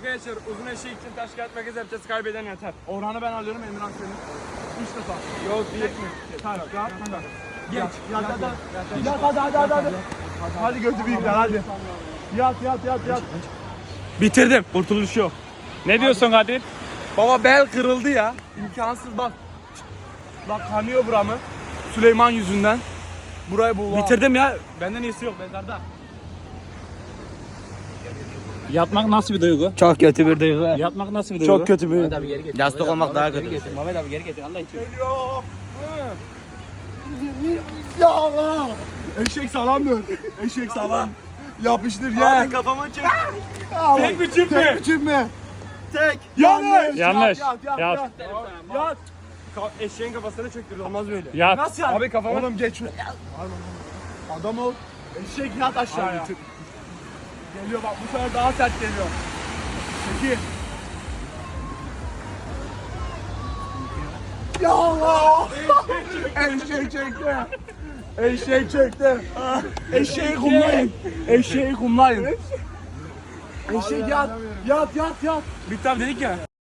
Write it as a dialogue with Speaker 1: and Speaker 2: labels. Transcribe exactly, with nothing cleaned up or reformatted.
Speaker 1: Arkadaşlar uzun eşek için taş kağıt makas yapacağız. Kaybeden yeter. Orhan'ı ben alıyorum, Emirhan senin. Üç defa. Yok değil mi? Taş kağıt makas. Geç. Yat hadi. Yat hadi hadi hadi. Hadi, hadi götü büyükler hadi. Yat yat yat yat. Bitirdim. Kurtuluş yok.
Speaker 2: Ne diyorsun Kadir?
Speaker 1: Baba bel kırıldı ya. İmkansız bak. Bak kanıyor buramı. Süleyman yüzünden. Burayı bu.
Speaker 2: Bitirdim ya. Benden iyisi yok mezarda. Yatmak nasıl bir duygu?
Speaker 1: Çok kötü bir duygu.
Speaker 2: Yatmak nasıl bir duygu?
Speaker 1: Çok kötü bir.
Speaker 2: Yastık olmak daha kötü. Mehmet abi geri getir Allah için.
Speaker 1: Geliyor. Ya Allah. Eşek sağlam dön. Eşek sağlam. Yapıştır ya.
Speaker 2: Abi kafama çek.
Speaker 1: Tek mi çift mi? Tek mi çift mi? Tek. Yanlış.
Speaker 2: Yanlış.
Speaker 1: Yat yat
Speaker 2: Yat.
Speaker 1: yat. Yat. Ka- Eşeğin kafasına çöktürdü, olmaz böyle.
Speaker 2: Yat.
Speaker 1: Nasıl yat? Abi kafama. Oğlum geç. Adam ol. Eşek yat aşağıya. Geliyor bak, bu sefer daha sert geliyor. Peki. Ya Allah! Eşek çekti. Eşek çekti. Eşeği kumlayın. Eşeği kumlayın. Eşek yat. Yat yat yat.
Speaker 2: Bitti abi dedik ya.